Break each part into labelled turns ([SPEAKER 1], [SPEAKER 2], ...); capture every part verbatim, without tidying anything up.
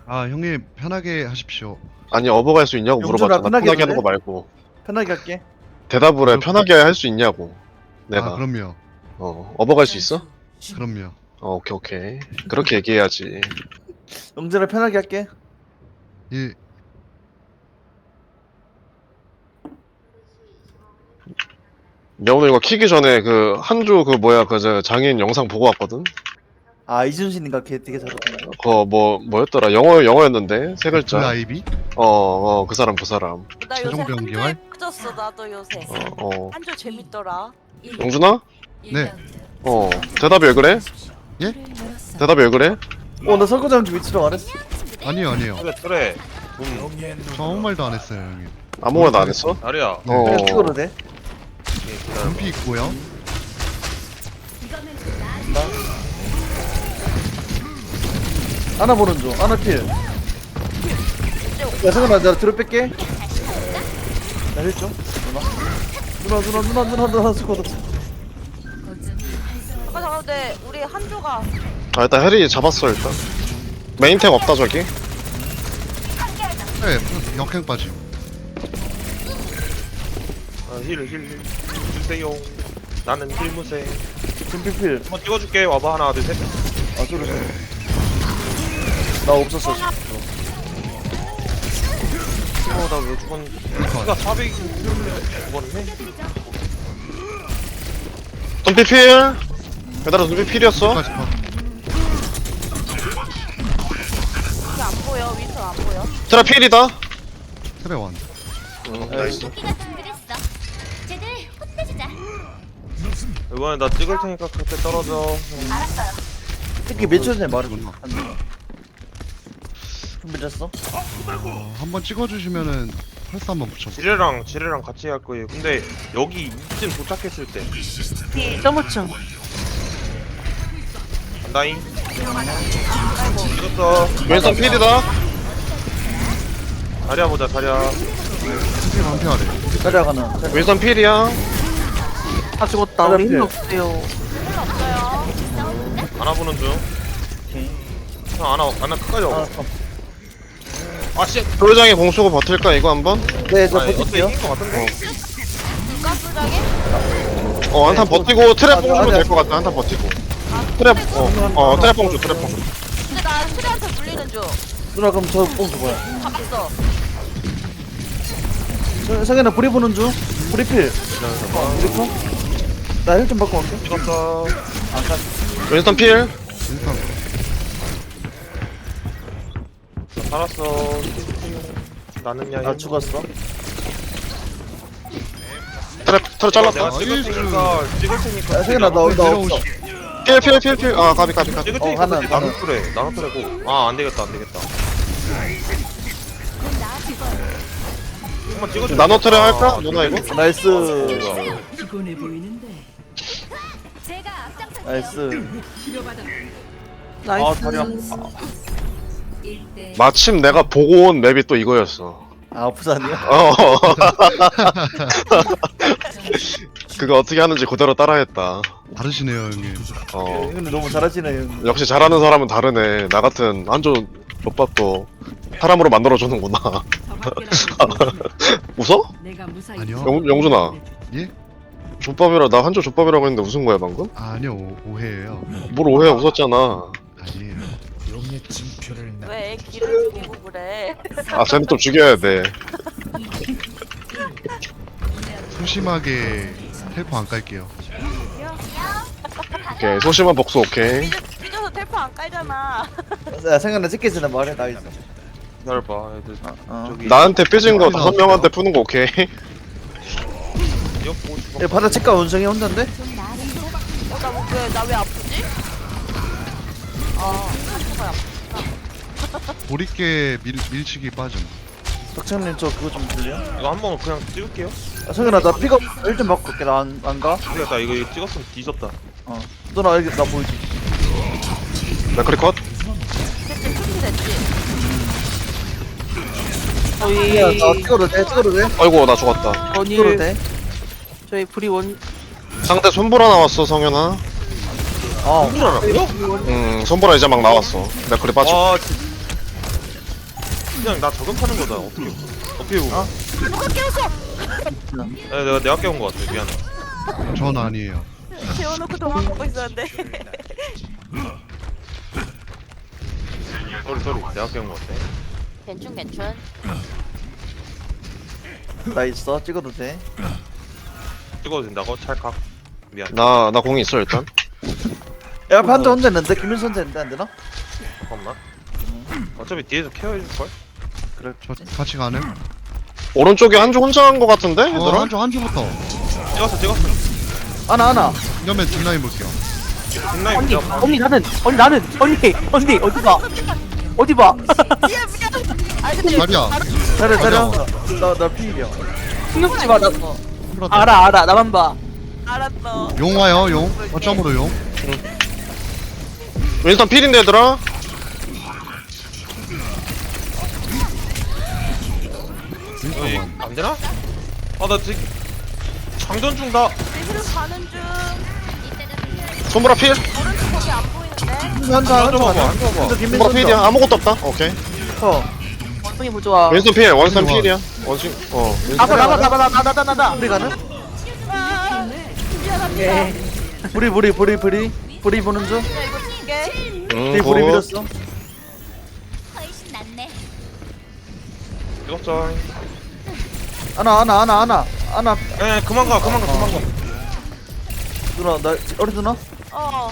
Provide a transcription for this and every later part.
[SPEAKER 1] 아 형님 편하게 하십시오.
[SPEAKER 2] 아니 어버 갈 수 있냐고
[SPEAKER 3] 용준아,
[SPEAKER 2] 물어봤잖아.
[SPEAKER 3] 편하게
[SPEAKER 2] 편하게 하는
[SPEAKER 3] 해도
[SPEAKER 2] 거 말고
[SPEAKER 3] 편하게 할게.
[SPEAKER 2] 대답을 해.
[SPEAKER 1] 그렇-
[SPEAKER 2] 편하게 할 수 있냐고. 내가
[SPEAKER 1] 아 그럼요.
[SPEAKER 2] 어 어버 갈 수 있어?
[SPEAKER 1] 그럼요.
[SPEAKER 2] 어 오케이 오케이 그렇게 얘기해야지.
[SPEAKER 3] 용준아 편하게 할게.
[SPEAKER 1] 예.
[SPEAKER 2] 야 오늘 이거 키기 전에 그 한주 그 뭐야 그 저 장인 영상 보고 왔거든.
[SPEAKER 3] 아 이순신인가 걔 되게 잘하던데.
[SPEAKER 2] 그거 뭐 뭐였더라 영어 영어였는데 세
[SPEAKER 1] 그
[SPEAKER 2] 글자.
[SPEAKER 1] 아이비?
[SPEAKER 2] 어어 그 사람 그 사람.
[SPEAKER 4] 나 요새
[SPEAKER 1] 최종 병기활?
[SPEAKER 4] 한조에 빠졌어 나도 요새
[SPEAKER 2] 어 어.
[SPEAKER 4] 한조 재밌더라.
[SPEAKER 2] 용준아?
[SPEAKER 1] 네.
[SPEAKER 2] 어 대답이 왜 그래?
[SPEAKER 1] 예?
[SPEAKER 2] 대답이 왜 그래?
[SPEAKER 3] 어나 설거지하는 줄 위치로 안 했어.
[SPEAKER 1] 아니요 아니요.
[SPEAKER 5] 그래 그래 음
[SPEAKER 1] 저 아무 말도 안 했어요 형님.
[SPEAKER 2] 아무거나 안 했어?
[SPEAKER 5] 나리야
[SPEAKER 2] 어.
[SPEAKER 3] 그냥 찍어도 돼.
[SPEAKER 5] 오케이, 기다려봐.
[SPEAKER 1] 금피 있고요.
[SPEAKER 3] 하나 보는 중. 하나 필. 야 승현아 내가 뒤로 뺄게. 나 힐 좀. 누나. 누나 누나 누나 누나 누나 스쿼드.
[SPEAKER 4] 잠깐 잠깐 근데 우리 한조가
[SPEAKER 2] 아 일단 해리 잡았어 일단. 메인탱 없다 저기.
[SPEAKER 1] 네. 역행 빠짐.
[SPEAKER 5] 아, 힐, 힐, 힐. 주세요. 나는 힐무세.
[SPEAKER 3] 준비 필.
[SPEAKER 5] 한번 찍어줄게. 와봐. 하나, 둘, 셋.
[SPEAKER 3] 아 쏘리 쏘리. 나 없었어. 지금.
[SPEAKER 5] 어, 나 왜 죽었는지. 키가 사백 죽었네?
[SPEAKER 2] 눈빛 필. 얘들아 눈빛 필이었어.
[SPEAKER 1] 까지 컷.
[SPEAKER 4] 이게 안 보여 윈선 안 보여.
[SPEAKER 2] 트라 필이다.
[SPEAKER 1] 트레 완.
[SPEAKER 2] 응, 나이스.
[SPEAKER 5] 이번에 나 찍을 테니까 그때 떨어져.
[SPEAKER 3] 특히 며칠 전에 말했구나. 준비됐어?
[SPEAKER 1] 어, 한번 찍어주시면은 펄스 한번 붙여.
[SPEAKER 5] 지뢰랑, 지뢰랑 같이 할 거예요. 근데 여기 이쯤 도착했을 때.
[SPEAKER 4] 점오층.
[SPEAKER 5] 간다잉. 찍었어.
[SPEAKER 2] 왼손 필이다.
[SPEAKER 5] 자리야 보자, 자리야.
[SPEAKER 1] 스킬 방패하래.
[SPEAKER 3] 자리아가는.
[SPEAKER 2] 왼손 필이야.
[SPEAKER 6] 다 죽었다.
[SPEAKER 3] 하나
[SPEAKER 6] 우리 힘
[SPEAKER 3] 필.
[SPEAKER 6] 없어요.
[SPEAKER 5] 안아 보는 중.
[SPEAKER 3] 오케이.
[SPEAKER 5] 형, 안아, 안아 끝까지
[SPEAKER 3] 아,
[SPEAKER 5] 와봐. 아, 씨.
[SPEAKER 2] 도장에 공 쏘고 버틸까 이거 한번?
[SPEAKER 3] 네, 저
[SPEAKER 5] 아니, 어떻게
[SPEAKER 3] 버틸게요.
[SPEAKER 5] 이긴 거 같은데?
[SPEAKER 4] 가스장에?
[SPEAKER 2] 어 한탄
[SPEAKER 3] 네, 뭐-
[SPEAKER 2] 버티고 트랩
[SPEAKER 3] 아,
[SPEAKER 2] 뽕주면
[SPEAKER 3] 아니야.
[SPEAKER 2] 될 것 같아. 한탄 버티고. 트랩 어어 트랩 뽕주 트랩 뽕주.
[SPEAKER 4] 근데 나 트레한테 물리는 중.
[SPEAKER 3] 누나 그럼 저뽕 줘봐요.
[SPEAKER 4] 잡았어.
[SPEAKER 3] 성- 성현아 불이 보는 중. 불이 필. 불이 나힐 좀 받고 갈게.
[SPEAKER 5] 찍었어.
[SPEAKER 3] 아까
[SPEAKER 2] 왼손 필.
[SPEAKER 1] 인스턴.
[SPEAKER 5] 살았어. 나는야.
[SPEAKER 3] 나 죽었어.
[SPEAKER 2] 트랩 트랩 잘랐다.
[SPEAKER 5] 내가 찍을 테니까 찍을 테니까.
[SPEAKER 3] 야, 성현아 너 나 없어.
[SPEAKER 2] 필 필 필 필. 아 가비 가비 가비.
[SPEAKER 5] 찍을
[SPEAKER 3] 어,
[SPEAKER 5] 테니까
[SPEAKER 3] 하나,
[SPEAKER 5] 그때
[SPEAKER 3] 하나.
[SPEAKER 5] 나눠 트래. 나눠 트래고. 아, 안 되겠다. 안 되겠다. 한번 찍어줘.
[SPEAKER 2] 나노 트랩 할까? 누나 이거?
[SPEAKER 3] 나이스.
[SPEAKER 7] 피곤해 보이는데
[SPEAKER 3] 나이스.
[SPEAKER 5] 아,
[SPEAKER 6] 나이스.
[SPEAKER 5] 다리야.
[SPEAKER 2] 마침 내가 보고 온 맵이 또 이거였어.
[SPEAKER 3] 아 부산이야?
[SPEAKER 2] 어. 그거 어떻게 하는지 그대로 따라했다.
[SPEAKER 1] 다르시네요 형님.
[SPEAKER 2] 어.
[SPEAKER 3] 근데 너무 잘하시네 형.
[SPEAKER 2] 역시 잘하는 사람은 다르네. 나 같은 한조 족밥도 사람으로 만들어주는구나. 웃어?
[SPEAKER 7] 내가 무사히
[SPEAKER 1] 아니요.
[SPEAKER 2] 영, 영준아.
[SPEAKER 1] 예?
[SPEAKER 2] 족밥이라 나 한조 족밥이라고 했는데 웃은 거야 방금?
[SPEAKER 1] 아, 아니요 오, 오해예요.
[SPEAKER 2] 뭘 오해 웃었잖아.
[SPEAKER 1] 아니에요.
[SPEAKER 4] 왜 기를 죽이고 그래?
[SPEAKER 2] 아 쟤는 좀 죽여야 돼.
[SPEAKER 1] 소심하게 텔포 안 깔게요.
[SPEAKER 2] 오케이 소심한 복수 오케이.
[SPEAKER 4] 삐져, 삐져서 텔포 안 깔잖아.
[SPEAKER 3] 야 성현아 찍기 전에 말해 나 있어.
[SPEAKER 5] 기다려봐. 애들
[SPEAKER 3] 어.
[SPEAKER 5] 저기
[SPEAKER 2] 나한테 삐진 거 다섯 명한테 푸는 거 오케이.
[SPEAKER 5] 이거 보고 싶어.
[SPEAKER 3] 야 바다 치과 원성이 혼자인데?
[SPEAKER 4] 어, 나왜나 왜 아프지? 아, 한조가 아프.
[SPEAKER 1] 보리깨 밀, 밀치기 빠짐.
[SPEAKER 3] 박찬님 저 그거 좀 들려?
[SPEAKER 5] 이거 한번 그냥 찍을게요.
[SPEAKER 3] 야 성현아 나 픽업 일 좀 받고 갈게. 나 안 안 가?
[SPEAKER 5] 되겠다. 이거 이거 찍었으면 뒤졌다.
[SPEAKER 3] 어. 누나 여기 나 보이지?
[SPEAKER 2] 맥크리 컷.
[SPEAKER 4] 됐지, 풀이 됐지.
[SPEAKER 6] 저희
[SPEAKER 3] 야, 나 찍어도 돼? 찍어도 돼?
[SPEAKER 2] 아이고 나 죽었다.
[SPEAKER 3] 찍어도
[SPEAKER 6] 원일
[SPEAKER 3] 돼?
[SPEAKER 6] 저희 불이 원
[SPEAKER 2] 상대 손보라 나왔어 성현아.
[SPEAKER 3] 어.
[SPEAKER 5] 누구라고요?
[SPEAKER 2] 음 손보라 이제 막 나왔어. 맥크리 빠져.
[SPEAKER 5] 아, 진- 그냥 나 저격하는 거다. 어떻게 어떻게 보면.
[SPEAKER 3] 어?
[SPEAKER 4] 누가 깨웠어?
[SPEAKER 5] 아, 내가 내가 깨운 거 같아. 미안해.
[SPEAKER 1] 전 아니에요.
[SPEAKER 4] 재워놓고 도망가고 있었는데.
[SPEAKER 5] 쏘리 쏘리. 내가 깨운 거 같아.
[SPEAKER 4] 괜춘 괜춘.
[SPEAKER 3] 나 있어. 찍어도 돼.
[SPEAKER 5] 찍어도 된다고? 찰칵. 미안.
[SPEAKER 2] 나 나 공이 있어 일단.
[SPEAKER 3] 야, 앞에 한대 혼자 있는데 김민수 혼자 있는데 안 되나?
[SPEAKER 5] 잠깐만. 어차피 뒤에서 케어해줄 걸.
[SPEAKER 3] 그래.
[SPEAKER 1] 저 같이 가는?
[SPEAKER 2] 오른쪽에 한조 혼자 한 거 같은데?
[SPEAKER 1] 어,
[SPEAKER 2] 얘들아?
[SPEAKER 1] 한쪽 한쪽부터.
[SPEAKER 5] 찍었어 찍었어.
[SPEAKER 3] 하나 하나.
[SPEAKER 1] 이러면 뒷라인 볼게요.
[SPEAKER 5] 뒷라인
[SPEAKER 6] 언니
[SPEAKER 5] 보자.
[SPEAKER 6] 언니 나는 언니 나는 언니 언니 어디 봐 어디 봐
[SPEAKER 4] 미안 미안. 아 근데
[SPEAKER 1] 자리야.
[SPEAKER 3] 잘해 잘해.
[SPEAKER 1] 맞아.
[SPEAKER 3] 나나 피일이야.
[SPEAKER 6] 신경 쓰지 마나
[SPEAKER 1] 풀었다.
[SPEAKER 6] 알아 알아 나만 봐
[SPEAKER 4] 알았어.
[SPEAKER 1] 용 와요 용. 어점으로 용.
[SPEAKER 2] 윈스턴 필인데 얘들아?
[SPEAKER 5] 어이,
[SPEAKER 1] 윈스턴
[SPEAKER 5] 안 되나? 아나 지금 장전 중다.
[SPEAKER 4] 내힐 가는 중.
[SPEAKER 2] 손보라 필?
[SPEAKER 4] 오른쪽 거기 안 보이는데.
[SPEAKER 3] 한자
[SPEAKER 5] 한자
[SPEAKER 3] 한자
[SPEAKER 5] 봐봐,
[SPEAKER 3] 가자.
[SPEAKER 5] 한자 봐봐.
[SPEAKER 3] 근데 김민수
[SPEAKER 2] 손보라 필이야. 아무것도 없다. 오케이.
[SPEAKER 3] 어.
[SPEAKER 6] 원숭이 부좋아
[SPEAKER 2] 윈스턴 필. 원스턴
[SPEAKER 1] 좋아.
[SPEAKER 2] 필이야. 원숭 어.
[SPEAKER 6] 나봐 나봐 나봐 나봐 나봐 나봐
[SPEAKER 3] 우리 가는?
[SPEAKER 4] 아, 미안합니다.
[SPEAKER 3] 부리 부리 부리 부리 부리 보는 중.
[SPEAKER 4] 야 이거 줄게.
[SPEAKER 2] 음,
[SPEAKER 3] 부리 부리
[SPEAKER 2] 굿.
[SPEAKER 3] 밀었어.
[SPEAKER 8] 훨씬 낫네.
[SPEAKER 5] 찍었어.
[SPEAKER 3] 하나 하나 하나 하나 하나.
[SPEAKER 5] 에 그만 가 그만 가 그만 가.
[SPEAKER 3] 누나 나 어리 누나
[SPEAKER 4] 어.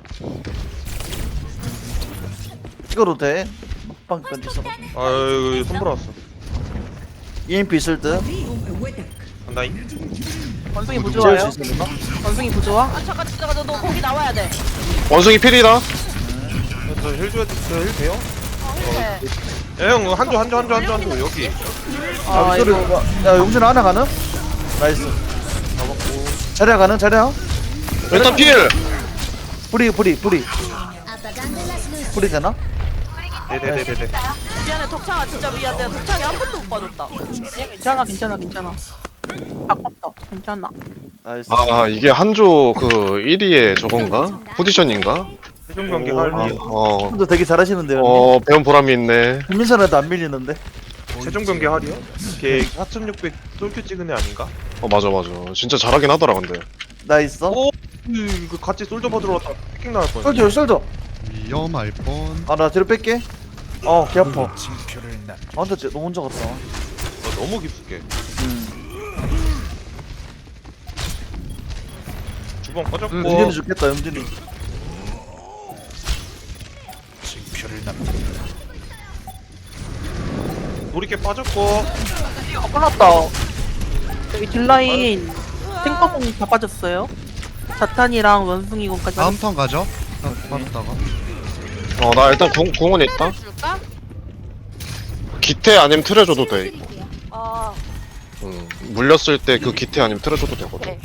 [SPEAKER 3] 찍어도 돼. 막방 건지서.
[SPEAKER 5] 아유 손보라 왔어.
[SPEAKER 3] 이엠피 있을 듯.
[SPEAKER 5] 간다잉.
[SPEAKER 6] 원숭이
[SPEAKER 3] 재울
[SPEAKER 6] 부좋아요
[SPEAKER 3] 수 있어 누나?
[SPEAKER 6] 원숭이 부좋아
[SPEAKER 4] 아 잠깐 잠깐 너, 너 거기 나와야 돼.
[SPEAKER 2] 원숭이 필이다.
[SPEAKER 5] 저힐 줘야 저힐 돼요?
[SPEAKER 4] 어 해.
[SPEAKER 5] 야형 한조 한조 한조 한조 한조 여기.
[SPEAKER 3] 아,
[SPEAKER 6] 아
[SPEAKER 3] 소리.
[SPEAKER 6] 이거
[SPEAKER 3] 야, 용준 하나 가는? 나이스.
[SPEAKER 5] 잡았고.
[SPEAKER 3] 자리야 가는? 자리야?
[SPEAKER 2] 윈스턴 필.
[SPEAKER 3] 뿌리, 뿌리, 뿌리.
[SPEAKER 8] 아빠가 안들라스는
[SPEAKER 3] 뿌리 되나?
[SPEAKER 5] 네네네네네.
[SPEAKER 4] 미안해 덕창아 진짜 미안해. 덕창이 한 번도 못 봐줬다.
[SPEAKER 6] 괜찮아 괜찮아 괜찮아 아깝다 괜찮아
[SPEAKER 3] 나이스.
[SPEAKER 2] 아 이게 한조 그 일 위에 저건가? 포지션인가?
[SPEAKER 5] 최종 경기
[SPEAKER 3] 오,
[SPEAKER 5] 할
[SPEAKER 2] 아,
[SPEAKER 5] 일.
[SPEAKER 2] 어.
[SPEAKER 3] 형도 되게 잘하시는데요.
[SPEAKER 2] 어 배운 보람이 있네.
[SPEAKER 3] 김민선한테 안 밀리는데?
[SPEAKER 5] 최종 경기 할이요? 걔 사천육백 솔큐 찍은 애 아닌가?
[SPEAKER 2] 어 맞아 맞아. 진짜 잘하긴 하더라 근데.
[SPEAKER 3] 나 있어?
[SPEAKER 5] 오, 이거 같이 솔저 받으러 왔다. 피킹 나갈 뻔.
[SPEAKER 3] 쏠져, 쏠져.
[SPEAKER 1] 위험할 뻔.
[SPEAKER 3] 아, 나 뒤로 뺄게. 어, 개 아파. 아, 근데 쟤 너무 혼자 갔다.
[SPEAKER 5] 나 너무 깊숙해.
[SPEAKER 3] 음.
[SPEAKER 5] 주방 꺼졌고.
[SPEAKER 3] 영준이 죽겠다, 영준이.
[SPEAKER 5] 놀이개 빠졌고.
[SPEAKER 6] 아 끝났다 여기 딜라인 탱커공 다 빠졌어요 자탄이랑 원숭이공까지
[SPEAKER 1] 다음 턴 가죠. 빠졌다가.
[SPEAKER 2] 어 나 일단 궁, 궁은 있다.
[SPEAKER 4] 줄까?
[SPEAKER 2] 기태 아니면 틀에 줘도 돼.
[SPEAKER 4] 아
[SPEAKER 2] 음, 물렸을 때 그 기태 아니면 틀에 줘도 되거든.
[SPEAKER 4] 오케이.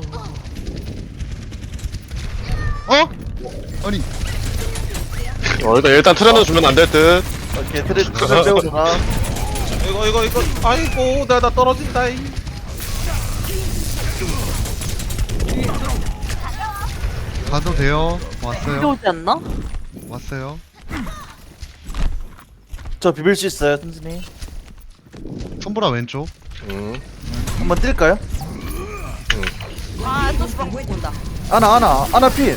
[SPEAKER 1] 어? 아니
[SPEAKER 2] 어, 일단 일단 틀에는 주면 안 될 듯.
[SPEAKER 3] 오케이, 트레, 트레 빼고 가.
[SPEAKER 5] 이거 이거 이거. 아이고 나 나 떨어진다잉.
[SPEAKER 1] 가도 돼요. 왔어요.
[SPEAKER 6] 필요하지 않나?
[SPEAKER 1] 왔어요.
[SPEAKER 3] 저 비빌 수 있어요, 튼튼이.
[SPEAKER 1] 손보라 왼쪽.
[SPEAKER 2] 음.
[SPEAKER 3] 한번 뛸까요?
[SPEAKER 4] 아또 주방 먹고 온다.
[SPEAKER 3] 하나, 하나, 하나 피.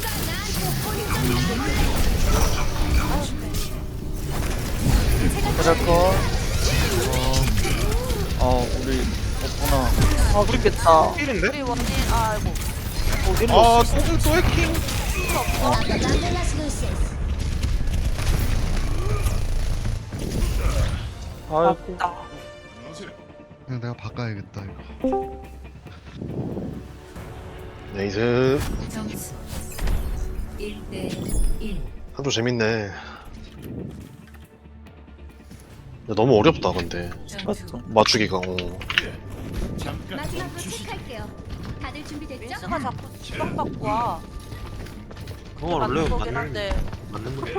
[SPEAKER 3] 자자커. 어, 어, 우리 없구나.
[SPEAKER 6] 아 모르겠다
[SPEAKER 5] 필인데?
[SPEAKER 4] 우리 원진 아이고.
[SPEAKER 5] 아, 또, 또 해킹.
[SPEAKER 8] 아빠가 안들라스는
[SPEAKER 3] 아이고.
[SPEAKER 6] 아깝다
[SPEAKER 1] 그냥 내가 바꿔야겠다 이거.
[SPEAKER 2] 네이스.
[SPEAKER 7] 점수 일 대 일.
[SPEAKER 2] 한조 재밌네. 근데 너무 어렵다 근데
[SPEAKER 3] 맞죠?
[SPEAKER 2] 맞추기가. 어.
[SPEAKER 8] 마지막으로 체크할게요. 다들 준비됐죠?
[SPEAKER 4] 민수가 자꾸 주방 갖고 와.
[SPEAKER 5] 그건 원래
[SPEAKER 4] 맞는 거긴
[SPEAKER 5] 맞는
[SPEAKER 4] 한데.
[SPEAKER 5] 맞는 거.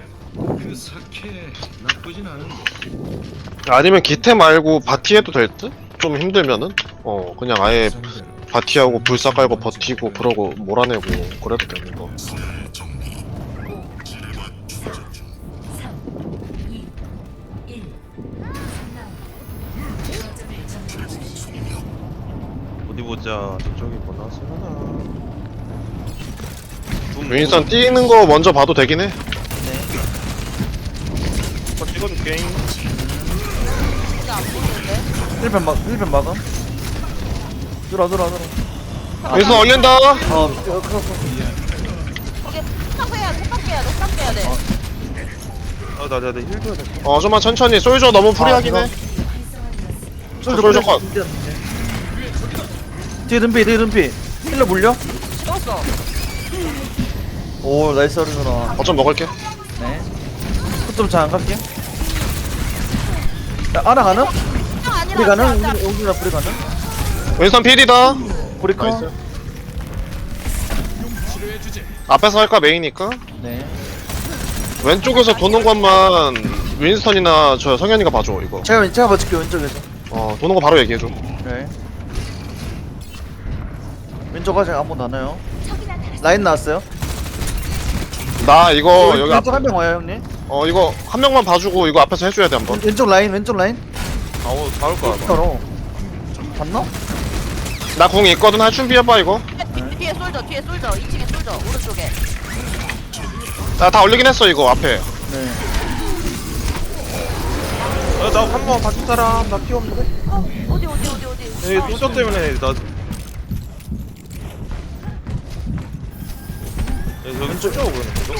[SPEAKER 2] 아니면 기태 말고 바티 해도 될 듯? 좀 힘들면은? 어 그냥 아예 바티하고 불사 깔고 버티고 그러고 몰아내고 그래도 되는 거.
[SPEAKER 7] 삼, 이, 일.
[SPEAKER 5] 보자. 저쪽에 뭐 나왔으려나.
[SPEAKER 2] 윈선 뛰는 거 먼저 봐도 되긴 해.
[SPEAKER 5] 한번 찍어줄게.
[SPEAKER 4] 이게 안 보이는데?
[SPEAKER 3] 힐벤 막 힐벤 막음. 들어 들어 들어.
[SPEAKER 2] 윈선 얼린다.
[SPEAKER 3] 아 어, 크로스.
[SPEAKER 4] 이게 탁 빼야 돼, 탁 빼야 돼, 탁 빼야 돼.
[SPEAKER 5] 아, 나, 나, 나 힐 줘야 돼.
[SPEAKER 2] 어 좀만 천천히. 솔저 너무 프리하긴 해. 솔저 컷.
[SPEAKER 3] 뒤에 든피 뒤에 든피. 힐러 물려?
[SPEAKER 4] 찍었어.
[SPEAKER 3] 오 나이스 어른아.
[SPEAKER 2] 어쩜 먹을게.
[SPEAKER 3] 네. 좀 잘 안 갈게. 야, 아나 가능?
[SPEAKER 4] 형 아니라.
[SPEAKER 3] 우리 가능?
[SPEAKER 4] 나- 나-
[SPEAKER 3] 우리 우리나 불이 가능?
[SPEAKER 2] 윈선 필이다.
[SPEAKER 3] 우리 커.
[SPEAKER 2] 나이스. 앞에서 할까 메이니까?
[SPEAKER 3] 네.
[SPEAKER 2] 왼쪽에서 도는 것만 윈스턴이나 저 성현이가 봐줘 이거.
[SPEAKER 3] 제가 제가 봐줄게 왼쪽에서.
[SPEAKER 2] 어 도는 거 바로 얘기해줘.
[SPEAKER 3] 네. 왼쪽 아직 아무도 안 와요. 라인 나왔어요.
[SPEAKER 2] 나 이거
[SPEAKER 3] 왼-
[SPEAKER 2] 여기
[SPEAKER 3] 왼쪽
[SPEAKER 2] 앞,
[SPEAKER 3] 한 명 와요 형님.
[SPEAKER 2] 어 이거 한 명만 봐주고 이거 앞에서 해줘야 돼 한번.
[SPEAKER 3] 왼쪽 라인 왼쪽 라인.
[SPEAKER 5] 아우, 다올 거야. 아마.
[SPEAKER 3] 바로. 봤나?
[SPEAKER 2] 나 궁 있거든. 할 준비해봐 이거.
[SPEAKER 4] 뒤- 뒤에 솔져, 뒤에 솔져. 이 층에 솔져, 오른쪽에.
[SPEAKER 2] 나 다 올리긴 했어 이거 앞에.
[SPEAKER 3] 네.
[SPEAKER 5] 야, 나 한 번 봐줄 사람. 나 피 없는데?
[SPEAKER 4] 어, 어디, 어디, 어디, 어디.
[SPEAKER 5] 에
[SPEAKER 4] 아,
[SPEAKER 5] 소저 때문에 나. 야, 여기 소저가 보이는 거죠?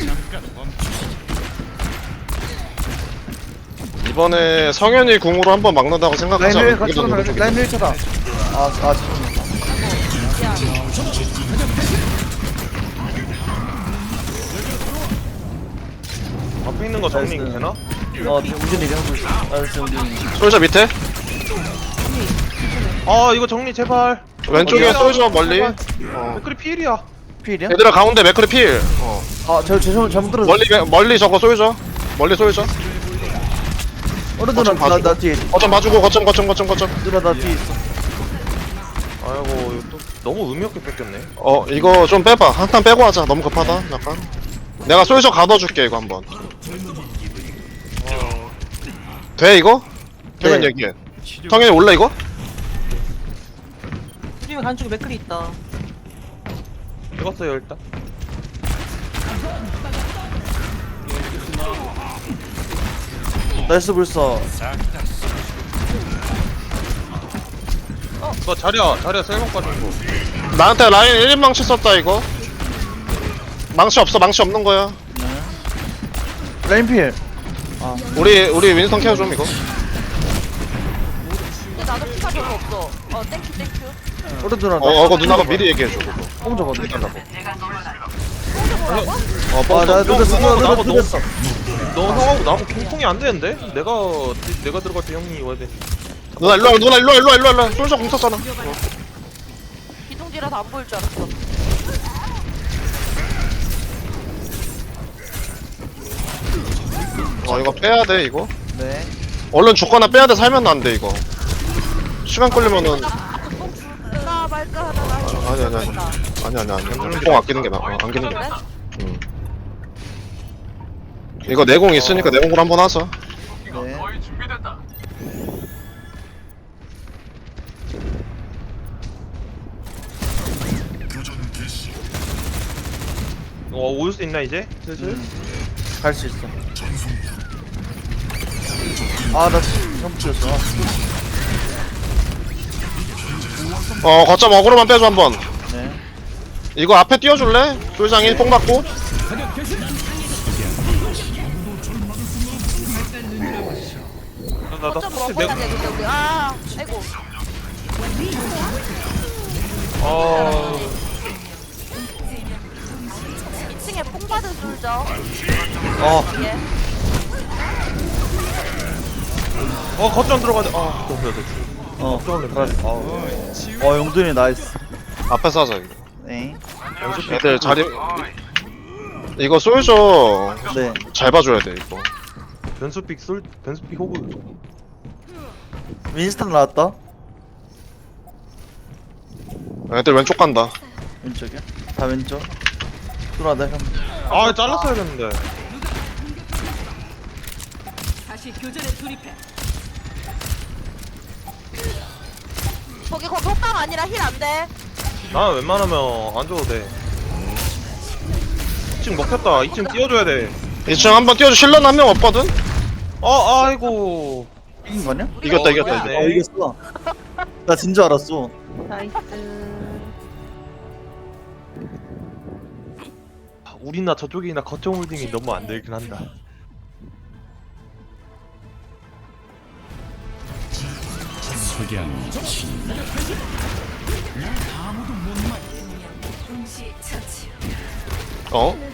[SPEAKER 2] 이번에 성현이 궁으로 한번 막는다고 생각하자.
[SPEAKER 3] 라인 일 같이 가면 라인 일 차다. 아, 아 지금.
[SPEAKER 5] 앞에 있는 거 정리
[SPEAKER 3] 나이스.
[SPEAKER 5] 되나?
[SPEAKER 3] 어 지금 우준이 하고 있어. 아 지금 우준이.
[SPEAKER 2] 솔저 밑에.
[SPEAKER 5] 아, 이거 정리 제발.
[SPEAKER 2] 왼쪽에
[SPEAKER 5] 어디야?
[SPEAKER 2] 솔저 멀리.
[SPEAKER 5] 제발.
[SPEAKER 2] 어.
[SPEAKER 5] 맥클이 필이야.
[SPEAKER 3] 필이야?
[SPEAKER 2] 얘들아 가운데 맥크리 필. 어.
[SPEAKER 3] 아저 죄송 잘못 들었어.
[SPEAKER 2] 멀리 멀리 저거 솔저. 멀리 솔저.
[SPEAKER 3] 어느 누나
[SPEAKER 2] 거점 봐주고.
[SPEAKER 3] 나나 뒤에.
[SPEAKER 2] 거점 봐주고 거점 거점 거점 거점.
[SPEAKER 3] 누나 나 뒤에 있어.
[SPEAKER 5] 아이고, 이거 또 너무 의미 없게 뺏겼네.
[SPEAKER 2] 어 이거 좀 빼봐. 한탄 빼고 하자. 너무 급하다. 약간. 내가 솔저 가둬줄게 이거 한번. 돼 이거? 되면
[SPEAKER 3] 네.
[SPEAKER 2] 얘기해. 성현이 올라 이거?
[SPEAKER 6] 우리 한쪽에 맥클이 있다.
[SPEAKER 5] 찍었어요, 일단.
[SPEAKER 3] 나이스 불사.
[SPEAKER 5] 너 자리야, 자리야 셀먹 빠진 거.
[SPEAKER 2] 나한테 라인 일 인 망치 썼다 이거. 망치 없어. 망치 없는 거야.
[SPEAKER 3] 라인 필.
[SPEAKER 2] 우리 우리 윈스턴 케어 좀 이거.
[SPEAKER 4] 근데 나도 피가 별로 없어. 어, 땡큐, 땡큐.
[SPEAKER 3] 어느 누나.
[SPEAKER 2] 어 이거 누나가 미리 얘기해줘 그거.
[SPEAKER 3] 뽕 잡았네.
[SPEAKER 2] 어
[SPEAKER 3] 아,
[SPEAKER 2] 뻥.
[SPEAKER 3] 나 늦었어, 누나, 누나
[SPEAKER 5] 나도 너무-
[SPEAKER 3] 늦었어.
[SPEAKER 5] 너 형하고 나하고 핑퐁이 안 되는데? 내가 내가 들어갈 때 형이 와야 돼.
[SPEAKER 2] 누나 일로 와 누나 일로 와 일로 와 일로 와 일로 와. 솔저 공 쳤잖아.
[SPEAKER 4] 기둥지라서 안 보일 줄 알았어.
[SPEAKER 2] 어 이거 빼야 돼 이거.
[SPEAKER 3] 네.
[SPEAKER 2] 얼른 죽거나 빼야 돼. 살면 안 돼 이거. 시간 끌리면은
[SPEAKER 4] 뽕 줄까 말까 하다가.
[SPEAKER 2] 아니 아니 아니 아니 아니 아니 뽕 아끼는 게 나아. 어, 아끼는 게
[SPEAKER 4] 그래?
[SPEAKER 2] 나아. 응. 이거 내공 있으니까 내공으로 한번 하자.
[SPEAKER 3] 네.
[SPEAKER 5] 어, 올 수 있나 이제? 슬슬.
[SPEAKER 3] 갈 수 있어. 아, 나 처음 찍었어.
[SPEAKER 2] 어 거점 어그로만 빼줘 한번.
[SPEAKER 3] 네.
[SPEAKER 2] 이거 앞에 띄워줄래? 솔장이 뽕 받고.
[SPEAKER 5] 나, 나, 나
[SPEAKER 4] 어쩜
[SPEAKER 5] 사실
[SPEAKER 4] 먹어야
[SPEAKER 5] 내가
[SPEAKER 4] 돼, 근데 우리. 아, 아이고.
[SPEAKER 5] 아,
[SPEAKER 4] 이 층에 뽕 받은 솔져.
[SPEAKER 3] 어,
[SPEAKER 4] 예.
[SPEAKER 5] 어 거점 들어가야 돼. 아, 너무 돼.
[SPEAKER 3] 어, 알았어. 어, 용돈이 나이스.
[SPEAKER 2] 앞에서 하자 이거.
[SPEAKER 3] 네.
[SPEAKER 2] 애들 자리. 이거 솔저
[SPEAKER 3] 네.
[SPEAKER 2] 잘 봐줘야 돼 이거.
[SPEAKER 5] 변수픽 솔 변수픽 호그.
[SPEAKER 3] 윈스턴 나왔다.
[SPEAKER 2] 애들 왼쪽 간다.
[SPEAKER 3] 왼쪽이야? 다 왼쪽. 누나, 내가.
[SPEAKER 5] 아, 잘랐어야 됐는데.
[SPEAKER 4] 거기 거기 호빵 아니라 힐 안돼.
[SPEAKER 5] 나 웬만하면 안 줘도 돼. 이 층 먹혔다. 이 층 띄워줘야 돼.
[SPEAKER 2] 이 층 한번 띄워줘. 실런 한 명 없거든?
[SPEAKER 5] 어, 아이고.
[SPEAKER 3] 이긴 거 아니야?
[SPEAKER 2] 이겼다,
[SPEAKER 5] 어,
[SPEAKER 2] 이겼다,
[SPEAKER 5] 이겼네.
[SPEAKER 2] 이겼다.
[SPEAKER 3] 아 이겼어. 나 진 줄 알았어.
[SPEAKER 4] 나이스.
[SPEAKER 5] 우리나 저쪽이나 거점 홀딩이 너무 안 되긴 한다.
[SPEAKER 7] 동시 처치.
[SPEAKER 2] 어?